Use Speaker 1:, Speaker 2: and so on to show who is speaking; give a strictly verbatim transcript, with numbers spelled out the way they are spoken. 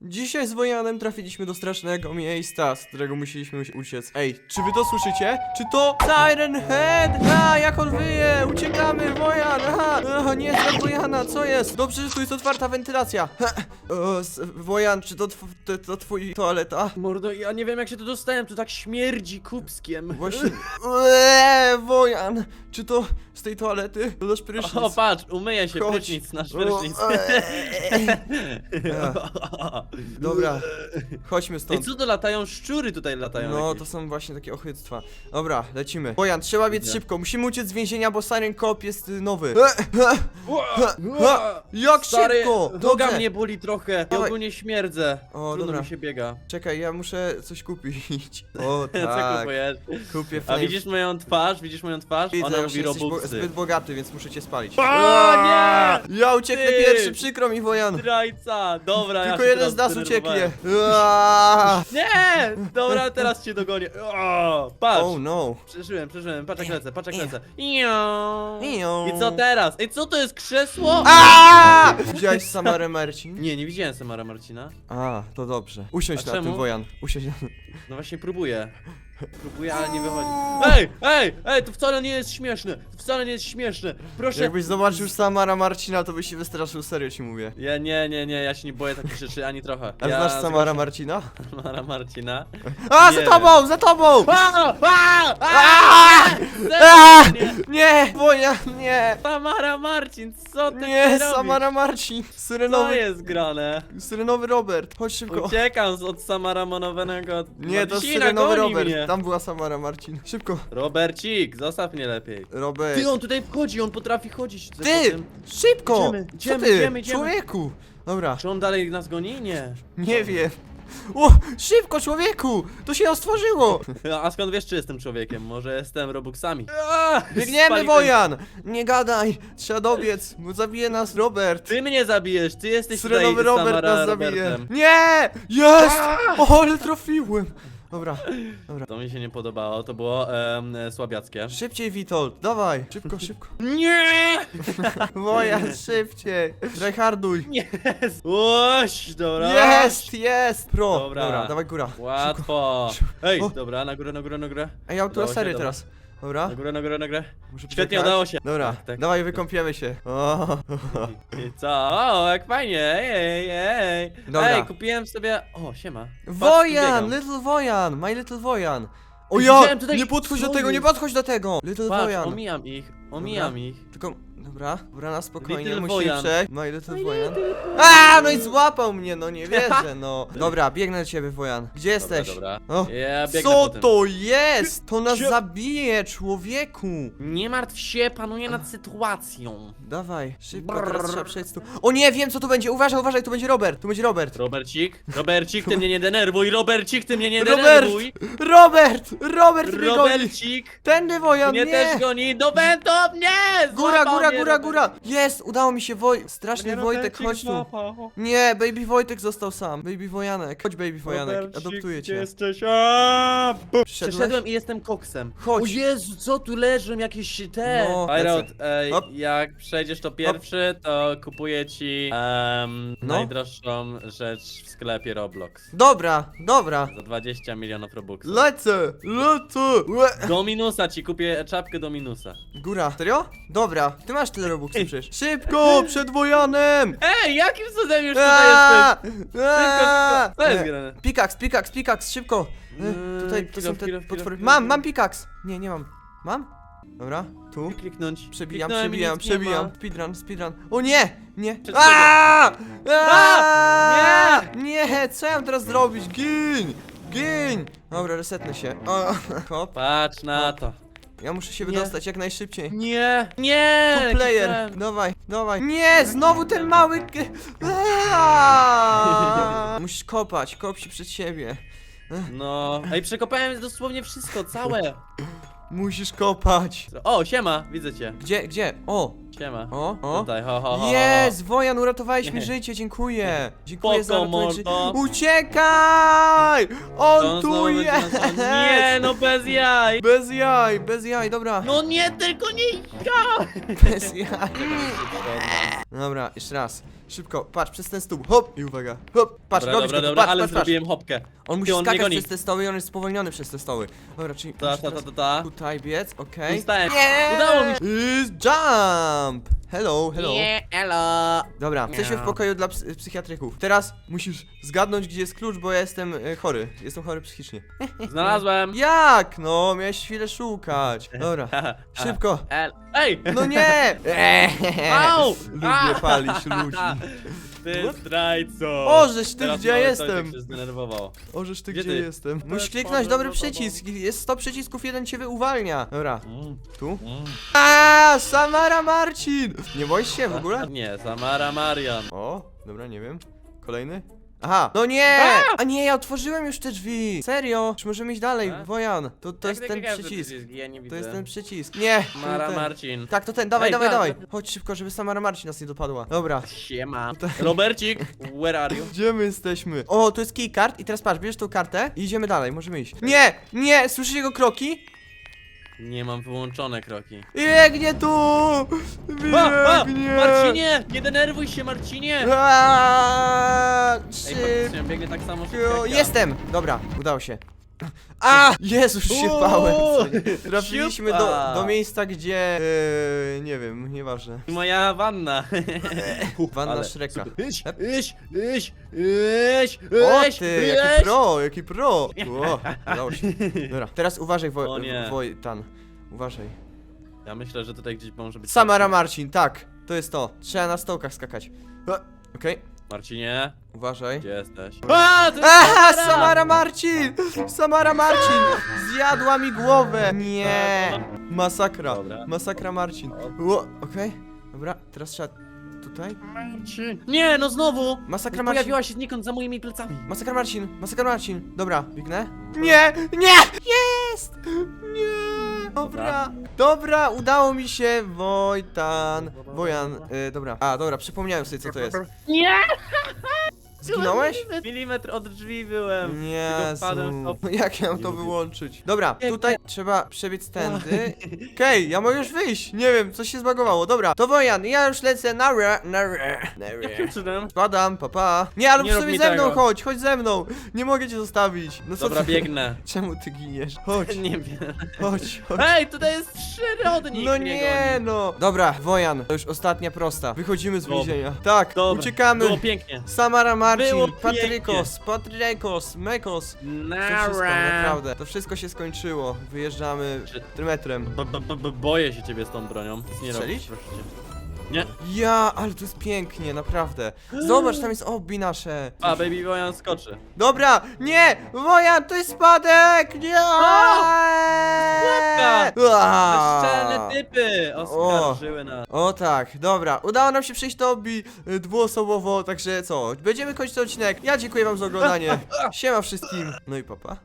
Speaker 1: Dzisiaj z Wojanem trafiliśmy do strasznego miejsca, z którego musieliśmy uciec. Ej, czy wy to słyszycie? Czy to Siren Head? A, jak on wyje! Uciekamy, Wojan! Aha! O, nie, dla Wojana, co jest? Dobrze, że tu jest otwarta wentylacja. Ha. O, s- Wojan, czy to, tw to, to twój toaleta?
Speaker 2: Mordo, ja nie wiem jak się tu dostałem, tu tak śmierdzi kupskiem.
Speaker 1: Właśnie... Eee, Wojan! Czy to z tej toalety? To nasz prysznic.
Speaker 2: O, patrz, umyję się,
Speaker 1: Chodź.
Speaker 2: prysznic, nasz
Speaker 1: O,
Speaker 2: prysznic.
Speaker 1: eee. Dobra, chodźmy
Speaker 2: Ej,
Speaker 1: stąd.
Speaker 2: co to latają? Szczury tutaj latają
Speaker 1: No,
Speaker 2: jakieś.
Speaker 1: to są właśnie takie ochyctwa. Dobra, lecimy. Wojan, trzeba biec
Speaker 2: Idę.
Speaker 1: szybko. Musimy uciec z więzienia, bo Siren Cop jest y, nowy.
Speaker 2: Ła,
Speaker 1: Ha! Jak
Speaker 2: Stary,
Speaker 1: szybko!
Speaker 2: noga
Speaker 1: Dobrze.
Speaker 2: mnie boli trochę i
Speaker 1: Dawaj.
Speaker 2: ogólnie śmierdzę.
Speaker 1: O,
Speaker 2: Trudno
Speaker 1: dobra.
Speaker 2: mi się biega.
Speaker 1: Czekaj, ja muszę coś kupić. O,
Speaker 2: Co
Speaker 1: tak.
Speaker 2: kupujesz?
Speaker 1: Kupię
Speaker 2: A
Speaker 1: flame.
Speaker 2: widzisz moją twarz? Widzisz moją twarz?
Speaker 1: Widzę,
Speaker 2: Ona
Speaker 1: że
Speaker 2: mówi
Speaker 1: jesteś bo
Speaker 2: robuxy.
Speaker 1: zbyt bogaty, więc muszę cię spalić.
Speaker 2: O nie!
Speaker 1: Ja ucieknę
Speaker 2: Ty!
Speaker 1: pierwszy, przykro mi, Wojan.
Speaker 2: Zdrajca! Dobra,
Speaker 1: Tylko
Speaker 2: ja się
Speaker 1: jeden z
Speaker 2: teraz
Speaker 1: nas ucieknie.
Speaker 2: zdenerwowałem.
Speaker 1: Aaaa!
Speaker 2: Nie! Dobra, teraz cię dogonię. O, patrz!
Speaker 1: Oh no.
Speaker 2: Przeżyłem, przeżyłem, patrz jak lecę, patrz jak
Speaker 1: Nie.
Speaker 2: lecę. Ią.
Speaker 1: Ią.
Speaker 2: I co teraz? Ej, co to jest krzesło?
Speaker 1: Aaaa! Widziałeś Samarę Marcin?
Speaker 2: Nie, nie widziałem Samara Marcina.
Speaker 1: A, to dobrze. Usiądź
Speaker 2: A
Speaker 1: na
Speaker 2: czemu?
Speaker 1: tym, Wojan. Usiądź na tym.
Speaker 2: No właśnie próbuję. Próbuję, ale nie wychodzi. Ej, ej, ej, to wcale nie jest śmieszne. To wcale nie jest śmieszne. Proszę.
Speaker 1: Jakbyś zobaczył Samara Marcina, to byś się wystraszył, serio ci mówię.
Speaker 2: Ja nie, nie, nie, ja się nie boję takich rzeczy ani trochę.
Speaker 1: A
Speaker 2: ja
Speaker 1: znasz Samara Marcina?
Speaker 2: Samara Marcina.
Speaker 1: A,
Speaker 2: Nie
Speaker 1: za tobą, za tobą!
Speaker 2: A, a, a,
Speaker 1: A!
Speaker 2: a, nie.
Speaker 1: Nie, Wojan, nie!
Speaker 2: Samara Marcin, co ty
Speaker 1: Nie,
Speaker 2: robisz?
Speaker 1: Samara Marcin!
Speaker 2: Co
Speaker 1: Syrenowy,
Speaker 2: jest grane?
Speaker 1: syrenowy Robert, chodź szybko.
Speaker 2: Uciekam z- od Samara Monowenego.
Speaker 1: Nie, to
Speaker 2: Marcina,
Speaker 1: syrenowy
Speaker 2: goni
Speaker 1: Robert,
Speaker 2: mnie.
Speaker 1: tam była Samara Marcin. Szybko,
Speaker 2: Robercik, zostaw mnie lepiej.
Speaker 1: Robert.
Speaker 2: Ty, on tutaj wchodzi, on potrafi chodzić. za
Speaker 1: Ty,
Speaker 2: potem.
Speaker 1: szybko!
Speaker 2: Idziemy,
Speaker 1: Co
Speaker 2: idziemy,
Speaker 1: ty,
Speaker 2: idziemy, idziemy.
Speaker 1: człowieku? Dobra,
Speaker 2: Czy on dalej nas goni? Nie.
Speaker 1: nie wiem. O, szybko, człowieku! To się stworzyło!
Speaker 2: A skąd wiesz, czy jestem człowiekiem? Może jestem Robuxami? Aaa,
Speaker 1: Biegniemy,
Speaker 2: spaliłem.
Speaker 1: Wojan! Nie gadaj! Trzeba dobiec, bo zabije nas Robert!
Speaker 2: Ty mnie zabijesz, ty jesteś
Speaker 1: Syrenowy
Speaker 2: tutaj
Speaker 1: Robert
Speaker 2: Samara
Speaker 1: nas zabije!
Speaker 2: Robertem.
Speaker 1: Nie! Jest! O, ale trafiłem! Dobra, dobra.
Speaker 2: To mi się nie podobało, to było em, e, słabiackie.
Speaker 1: Szybciej, Witold, dawaj! Szybko, szybko.
Speaker 2: Nie!
Speaker 1: Wojan, szybciej! Tryharduj!
Speaker 2: Jest! Łoś, dobra.
Speaker 1: Jest, jest! Pro!
Speaker 2: Dobra.
Speaker 1: Dobra, dawaj góra.
Speaker 2: Łatwo.
Speaker 1: Szybko.
Speaker 2: Ej,
Speaker 1: O.
Speaker 2: dobra, na górę, na górę, na górę.
Speaker 1: Ej, ja mam tu
Speaker 2: Udało się,
Speaker 1: lasery
Speaker 2: dobra.
Speaker 1: teraz. Dobra.
Speaker 2: Na górę, na górę, na górę.
Speaker 1: Muszę
Speaker 2: Świetnie,
Speaker 1: poczekać.
Speaker 2: udało się.
Speaker 1: Dobra,
Speaker 2: Tak, tak.
Speaker 1: dawaj, wykąpiemy się. O.
Speaker 2: I co? O, jak fajnie, ej, ej, ej.
Speaker 1: Dobra.
Speaker 2: Ej, kupiłem sobie... O, siema. Patrz, tu
Speaker 1: Wojan!
Speaker 2: biegam.
Speaker 1: Little Wojan! My Little Wojan! O
Speaker 2: Ej,
Speaker 1: ja!
Speaker 2: widziałem tutaj-
Speaker 1: Nie podchodź
Speaker 2: co
Speaker 1: do tego, nie
Speaker 2: jest?
Speaker 1: podchodź do tego! Little
Speaker 2: Patrz,
Speaker 1: Wojan!
Speaker 2: omijam ich, omijam ich.
Speaker 1: Tylko, dobra, dobra, na spokojnie,
Speaker 2: Little
Speaker 1: musimy
Speaker 2: Wojan.
Speaker 1: przejść. My Little
Speaker 2: My
Speaker 1: Wojan.
Speaker 2: little
Speaker 1: A, no i złapał mnie, no nie wierzę, no. Dobra, biegnę do ciebie, Wojan. Gdzie jesteś?
Speaker 2: Dobra,
Speaker 1: O,
Speaker 2: dobra. Ja biegnę
Speaker 1: co
Speaker 2: po tym.
Speaker 1: to jest? To nas
Speaker 2: Cio-
Speaker 1: zabije, człowieku!
Speaker 2: Nie martw się, panuję nad sytuacją.
Speaker 1: Dawaj, szybko,
Speaker 2: Brrr.
Speaker 1: teraz trzeba przejść tu. O nie, wiem co tu będzie, uważaj, uważaj, tu będzie Robert, tu będzie Robert.
Speaker 2: Robercik, Robercik, ty mnie nie denerwuj, Robercik, ty mnie nie
Speaker 1: Robert!
Speaker 2: denerwuj.
Speaker 1: Robert! Robert mnie goni!
Speaker 2: Robercik,
Speaker 1: Tędy, Wojan,
Speaker 2: mnie
Speaker 1: nie!
Speaker 2: też goni, do będą mnie!
Speaker 1: Góra,
Speaker 2: Złapał
Speaker 1: góra,
Speaker 2: mnie
Speaker 1: góra,
Speaker 2: Robert.
Speaker 1: góra! Jest, udało mi się, Woj... Straszny
Speaker 2: Mnie
Speaker 1: Wojtek,
Speaker 2: Robercik
Speaker 1: chodź tu.
Speaker 2: złapał.
Speaker 1: Nie, Baby Wojtek został sam. Baby Wojanek. Chodź, Baby Wojanek,
Speaker 2: Robercik,
Speaker 1: adoptuję
Speaker 2: gdzie
Speaker 1: cię.
Speaker 2: jesteś? A, bum.
Speaker 1: Przyszedłeś?
Speaker 2: Przeszedłem i jestem koksem.
Speaker 1: Chodź.
Speaker 2: O Jezu, co tu leżą jakieś te.
Speaker 1: No,
Speaker 2: Pirot,
Speaker 1: lecę.
Speaker 2: ej,
Speaker 1: Hop.
Speaker 2: jak przejdziesz to pierwszy, to kupuję ci em,
Speaker 1: No.
Speaker 2: najdroższą rzecz w sklepie Roblox.
Speaker 1: Dobra, dobra.
Speaker 2: Za dwadzieścia milionów Robuxów.
Speaker 1: Lecę, lecę. Łe.
Speaker 2: Do minusa ci kupię czapkę do minusa.
Speaker 1: Góra, serio? Dobra, ty masz tyle robuxów przecież. Szybko, przed Wojanem!
Speaker 2: Ej, jakim cudem już tutaj
Speaker 1: Aaa!
Speaker 2: jesteś?
Speaker 1: Aaa!
Speaker 2: Szybko, co jest
Speaker 1: E,
Speaker 2: grane?
Speaker 1: Pikaks, pikaks, pikaks, szybko. E,
Speaker 2: Eee,
Speaker 1: Tutaj to
Speaker 2: chwila,
Speaker 1: są te
Speaker 2: chwila, chwila,
Speaker 1: potwory.
Speaker 2: chwila,
Speaker 1: Mam,
Speaker 2: chwila.
Speaker 1: mam pikaks. Nie, nie mam. Mam? Dobra, tu.
Speaker 2: Kliknąć.
Speaker 1: Przebijam,
Speaker 2: Kliknąłem i
Speaker 1: przebijam,
Speaker 2: nic nie
Speaker 1: przebijam.
Speaker 2: ma.
Speaker 1: Speedrun, speedrun. O nie! Nie!
Speaker 2: Przed
Speaker 1: Aaaa!
Speaker 2: A!
Speaker 1: Nie! Co ja mam teraz zrobić? Gin! Gin! Dobra, resetnę się. O, hop.
Speaker 2: Patrz na to.
Speaker 1: Ja muszę się
Speaker 2: Nie.
Speaker 1: wydostać jak najszybciej.
Speaker 2: Nie, nie!
Speaker 1: To player!
Speaker 2: kliknąłem.
Speaker 1: Dawaj, dawaj. Nie! Znowu ten mały... g- Aaaa! Musisz kopać, kop się przed siebie.
Speaker 2: No, ej, przekopałem dosłownie wszystko, całe.
Speaker 1: Musisz kopać.
Speaker 2: O, siema, widzę cię.
Speaker 1: Gdzie, gdzie? O!
Speaker 2: Siema.
Speaker 1: O, o.
Speaker 2: Tutaj, ho, ho, ho, ho.
Speaker 1: Jest! Wojan, uratowałeś mi
Speaker 2: Nie.
Speaker 1: życie, dziękuję. Dziękuję za
Speaker 2: Spoko,
Speaker 1: ratowanie ży-
Speaker 2: mordo.
Speaker 1: Uciekaj! On
Speaker 2: On
Speaker 1: tu
Speaker 2: znowu będzie
Speaker 1: jest!
Speaker 2: nas- Nie, no bez jaj!
Speaker 1: Bez jaj, bez jaj, dobra.
Speaker 2: No nie, tylko nie ja!
Speaker 1: Bez jaj. Dobra, jeszcze raz. Szybko, patrz, przez ten stół, hop! I uwaga, hop! Patrz,
Speaker 2: Dobra,
Speaker 1: robisz
Speaker 2: dobra,
Speaker 1: to,
Speaker 2: dobra,
Speaker 1: patrz,
Speaker 2: ale
Speaker 1: patrz, patrz.
Speaker 2: zrobiłem hopkę.
Speaker 1: On musi
Speaker 2: Ty, on mnie
Speaker 1: skakać
Speaker 2: goni.
Speaker 1: przez te stoły i on jest spowolniony przez te stoły. Dobra, czyli
Speaker 2: Ta,
Speaker 1: musi
Speaker 2: ta, ta,
Speaker 1: teraz
Speaker 2: ta, ta.
Speaker 1: tutaj biec, okej.
Speaker 2: Zostałem.
Speaker 1: Nie!
Speaker 2: Udało mi się.
Speaker 1: Is jump! Hello, hello.
Speaker 2: Nie, elo.
Speaker 1: Dobra, jesteśmy w pokoju dla ps psychiatryków. Teraz musisz zgadnąć, gdzie jest klucz, bo ja jestem e, chory. Jestem chory psychicznie.
Speaker 2: Znalazłem.
Speaker 1: Jak? No, miałeś chwilę szukać. Dobra, szybko.
Speaker 2: El. Ej!
Speaker 1: No nie!
Speaker 2: Au!
Speaker 1: Lubię
Speaker 2: A!
Speaker 1: palić ludzi.
Speaker 2: Ty zdrajco!
Speaker 1: Ożeś ty,
Speaker 2: Teraz
Speaker 1: gdzie
Speaker 2: mały
Speaker 1: jestem?
Speaker 2: Tojtek się zdenerwował.
Speaker 1: Ożeż ty,
Speaker 2: Gdzie
Speaker 1: gdzie
Speaker 2: ty?
Speaker 1: jestem?
Speaker 2: To
Speaker 1: Musisz
Speaker 2: jest
Speaker 1: kliknąć
Speaker 2: problem
Speaker 1: dobry
Speaker 2: za tobą.
Speaker 1: przycisk. Jest sto przycisków, jeden cię uwalnia. Dobra,
Speaker 2: Mm,
Speaker 1: tu.
Speaker 2: mm.
Speaker 1: A, Samara Marcin! Nie boisz się w ogóle?
Speaker 2: Nie, Samara Marian.
Speaker 1: O, dobra, nie wiem. Kolejny? Aha, no nie! A nie, ja otworzyłem już te drzwi. Serio? Czy możemy iść dalej?
Speaker 2: A?
Speaker 1: Wojan, to, to jest
Speaker 2: Jak
Speaker 1: ten
Speaker 2: każdy
Speaker 1: przycisk.
Speaker 2: Ja nie widzę.
Speaker 1: To jest ten przycisk. Nie! to
Speaker 2: Mara
Speaker 1: ten.
Speaker 2: Marcin.
Speaker 1: Tak, to ten, dawaj,
Speaker 2: Ej,
Speaker 1: dawaj,
Speaker 2: tak,
Speaker 1: dawaj.
Speaker 2: tak.
Speaker 1: Chodź szybko, żeby Samara Marcin nas nie dopadła. Dobra.
Speaker 2: Siema. Robercik, where are you?
Speaker 1: Gdzie my jesteśmy? O, tu jest keycard i teraz patrz, bierzesz tą kartę i idziemy dalej, możemy iść. Nie! Nie! Słyszysz jego kroki?
Speaker 2: Nie mam wyłączone kroki.
Speaker 1: Biegnie tu!
Speaker 2: A, a,
Speaker 1: Biegnie!
Speaker 2: Marcinie! Nie denerwuj się, Marcinie!
Speaker 1: Aaa,
Speaker 2: Ej,
Speaker 1: Szybko!
Speaker 2: faktycznie biegnie tak samo szybko jak ja.
Speaker 1: Jestem! Dobra, udało się. A! Jezus, się bałem!
Speaker 2: Uuu,
Speaker 1: Trafiliśmy do,
Speaker 2: siupa.
Speaker 1: do miejsca, gdzie... Yy, nie wiem, nieważne.
Speaker 2: Moja wanna.
Speaker 1: Wanna
Speaker 2: Ale
Speaker 1: Shreka.
Speaker 2: super. Iś, iś, iś, iś,
Speaker 1: O
Speaker 2: iś,
Speaker 1: ty,
Speaker 2: iś.
Speaker 1: jaki pro, jaki pro! O, udało się. Dobra, teraz uważaj,
Speaker 2: O
Speaker 1: Woj,
Speaker 2: nie.
Speaker 1: Wojtan. Uważaj.
Speaker 2: Ja myślę, że tutaj gdzieś może być...
Speaker 1: Samara Marcin, tak, to jest to. Trzeba na stołkach skakać. E, Okej,
Speaker 2: Marcinie,
Speaker 1: uważaj.
Speaker 2: gdzie jesteś? A, to jest
Speaker 1: Aha,
Speaker 2: Samara!
Speaker 1: Samara Marcin! Samara Marcin! Zjadła mi głowę! Nie! Masakra.
Speaker 2: Dobra.
Speaker 1: Masakra Marcin. O, okej. Dobra, teraz trzeba tutaj.
Speaker 2: Marcin. Nie, no znowu!
Speaker 1: Masakra Marcin.
Speaker 2: Pojawiła się znikąd za moimi plecami.
Speaker 1: Masakra Marcin, masakra Marcin. Dobra, biegnę. Nie! Nie! Jest! Nie! Dobra. Dobra, udało mi się. Wojtan. Wojan. Y, dobra. A, dobra, przypomniałem sobie, co to jest.
Speaker 2: Nie!
Speaker 1: Zginąłeś?
Speaker 2: Milimetr od drzwi byłem.
Speaker 1: Nie.
Speaker 2: Tylko wpadłem w to.
Speaker 1: No jak ja mam
Speaker 2: Nie
Speaker 1: to
Speaker 2: lubię.
Speaker 1: wyłączyć? Dobra,
Speaker 2: Nie,
Speaker 1: tutaj trzeba przebiec tędy. Okej, ja mogę już wyjść. Nie wiem, coś się zbagowało. Dobra, to Wojan, ja już lecę na re, na re, na
Speaker 2: Jakim
Speaker 1: re.
Speaker 2: cudem?
Speaker 1: Spadam, papa. Pa. Nie, ale
Speaker 2: Nie rób
Speaker 1: sobie
Speaker 2: mi
Speaker 1: ze mną
Speaker 2: tego.
Speaker 1: chodź, chodź ze mną. Nie mogę cię zostawić. No co
Speaker 2: Dobra,
Speaker 1: ty-
Speaker 2: biegnę.
Speaker 1: Czemu ty giniesz? Chodź,
Speaker 2: Nie wiem.
Speaker 1: chodź, chodź.
Speaker 2: Ej, tutaj jest przyrodnik!
Speaker 1: No
Speaker 2: mnie
Speaker 1: nie
Speaker 2: goni.
Speaker 1: no. Dobra, Wojan, to już ostatnia prosta. Wychodzimy z
Speaker 2: Dobra.
Speaker 1: więzienia. Tak,
Speaker 2: Dobra,
Speaker 1: uciekamy.
Speaker 2: Było pięknie.
Speaker 1: Samara Marcin,
Speaker 2: Było
Speaker 1: Patrykos, Patrykos, Mekos. To wszystko,
Speaker 2: Nara.
Speaker 1: naprawdę. To wszystko się skończyło. Wyjeżdżamy
Speaker 2: Czy-
Speaker 1: trymetrem.
Speaker 2: B -b -b -b Boję się ciebie z tą bronią. Nic nie
Speaker 1: Strzelić?
Speaker 2: robisz, proszę cię. Nie.
Speaker 1: Ja, ale to jest pięknie, naprawdę. Zobacz, tam jest obi nasze.
Speaker 2: A, Baby Wojan skoczy.
Speaker 1: Dobra, nie! Wojan, to jest spadek! Nie!
Speaker 2: Pułapka!
Speaker 1: Aaa!
Speaker 2: Bezczelne typy oskarżyły nas.
Speaker 1: O tak, dobra, udało nam się przejść do obi y, dwuosobowo, także co, będziemy kończyć ten odcinek. Ja dziękuję wam za oglądanie. Siema wszystkim. No i papa.